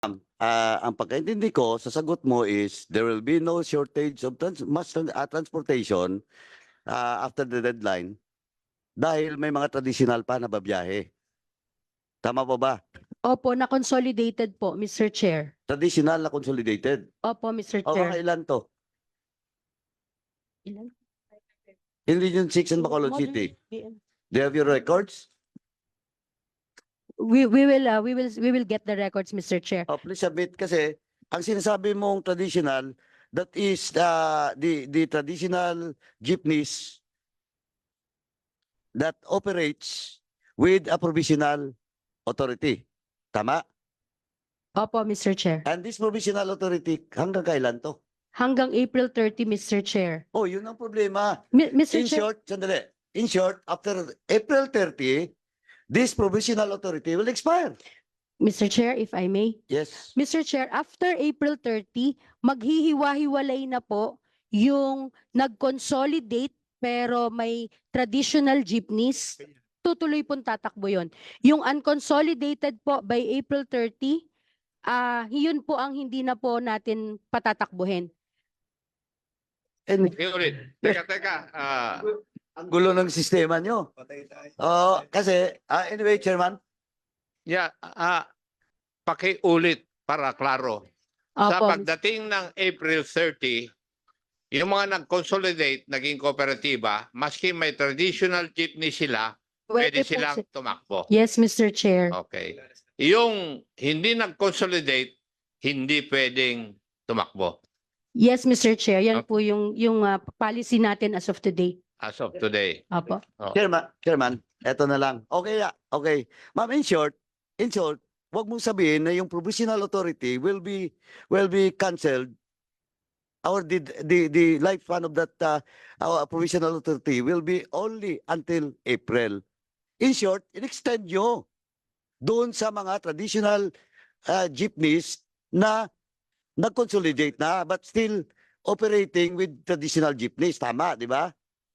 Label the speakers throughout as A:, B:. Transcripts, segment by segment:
A: Ang pagkaintindi ko sa sagot mo is there will be no shortage of transportation after the deadline dahil may mga traditional pa na babiyahe. Tama po ba?
B: Opo, na-consolidated po, Mr. Chair.
A: Traditional na consolidated.
B: Opo, Mr.
A: O mga
B: Chair.
A: ilan to?
B: Ilan?
A: In Region 6 and Bacolod
B: Modern
A: City.
B: BM.
A: Do you have your records?
B: We will get the records, Mr. Chair.
A: Oh, please submit kasi ang sinasabi mong traditional, that is the traditional jeepneys that operates with a provisional authority. Tama?
B: Opo, Mr. Chair.
A: And this provisional authority, hanggang kailan to?
B: Hanggang April 30, Mr. Chair.
A: Oh, yun ang problema.
B: Mr.
A: In
B: Chair,
A: short, sandali. In short, after April 30, this provisional authority will expire.
B: Mr. Chair, if I may.
A: Yes.
B: Mr. Chair, after April 30, maghihiwa-hiwalay na po yung nag-consolidate pero may traditional jeepneys. Tutuloy pong tatakbo yun. Yung unconsolidated po by April 30, yun po ang hindi na po natin patatakbuhin.
A: And
C: Ulit. Teka.
A: ang gulo ng sistema nyo. Oh, kasi, anyway, Chairman,
C: Yeah, pakiulit para klaro. Sa
B: Opo,
C: pagdating ng April 30, yung mga nag-consolidate, naging kooperatiba, maski may traditional jeepney sila, pwede
B: po
C: silang
B: si-
C: tumakbo.
B: Yes, Mr. Chair.
C: Okay. Yung hindi nag-consolidate, hindi pwedeng tumakbo
B: Yes, Mr. Chair. Yan
C: Okay.
B: po yung policy natin as of today.
C: as of today.
B: Opo.
A: Chairman, eto na lang. Okay, okay. Ma'am, in short, wag mong sabihin na yung provisional authority will be cancelled or the lifespan of that our provisional authority will be only until April. In short, in-extend nyo doon sa mga traditional jeepneys na nag-consolidate na but still operating with traditional jeepneys. Tama, di ba?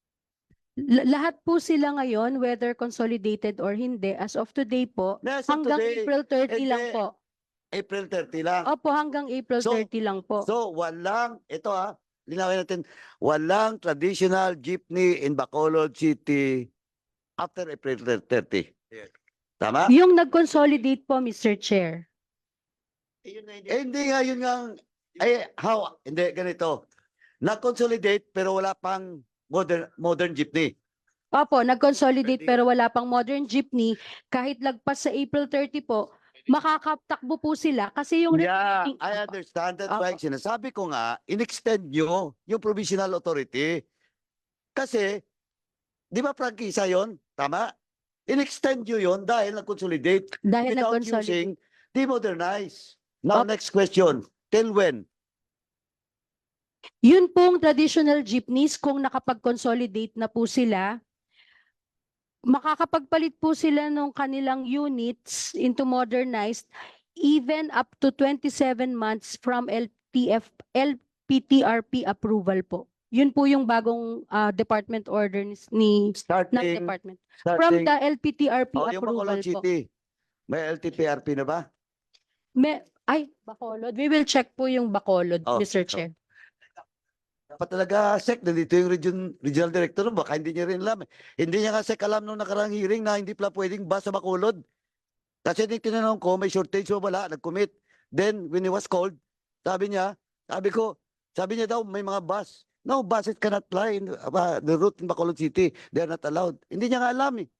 B: Lahat po sila ngayon, whether consolidated or hindi, as of today po,
A: As of
B: hanggang
A: today,
B: April 30 lang
A: hindi.
B: po.
A: April 30 lang.
B: Opo, hanggang April
A: So-
B: 30 lang po.
A: So, linawin natin, walang traditional jeepney in Bacolod City after April 30.
C: Yes.
A: Tama?
B: Yung nag-consolidate po, Mr. Chair.
A: Hindi nga, yun nga, hindi, ganito. Na-consolidate pero wala pang modern jeepney.
B: Opo, nag-consolidate pero wala pang modern jeepney. Kahit lagpas sa April 30 po, makakatakbo po sila kasi yung
A: Yeah,
B: remaining-
A: I
B: Opo.
A: understand. That's why
B: Opo.
A: sinasabi ko nga, in-extend nyo yung provisional authority. Kasi, di ba prangkisa yun? Tama? In-extend nyo yun dahil nag-consolidate
B: Dahil
A: without
B: nag-consolidate.
A: using demodernize. Now,
B: Opo.
A: next question. Till when?
B: Yun pong traditional jeepneys, kung nakapag-consolidate na po sila, makakapagpalit po sila ng kanilang units into modernized even up to 27 months from LPTRP approval po. Yun po yung bagong department order ni not
A: Starting,
B: department. From the LPTRP
A: yung
B: approval
A: Bacolod
B: po.
A: City. May LTPRP na ba?
B: Bacolod. We will check po yung Bacolod,
A: Oh,
B: Mr.
A: so-
B: Chair.
A: Dapat talaga, Sec, nandito yung regional director, baka hindi niya rin alam. Hindi niya nga, Sec, alam nung nakarang hearing na hindi pala pwedeng bus sa Bacolod. Kasi tinanong ko, may shortage o wala, nag-commit. Then, when he was called, sabi niya daw, may mga bus. No, buses cannot fly in the route in Bacolod City. They are not allowed. Hindi niya nga alam eh.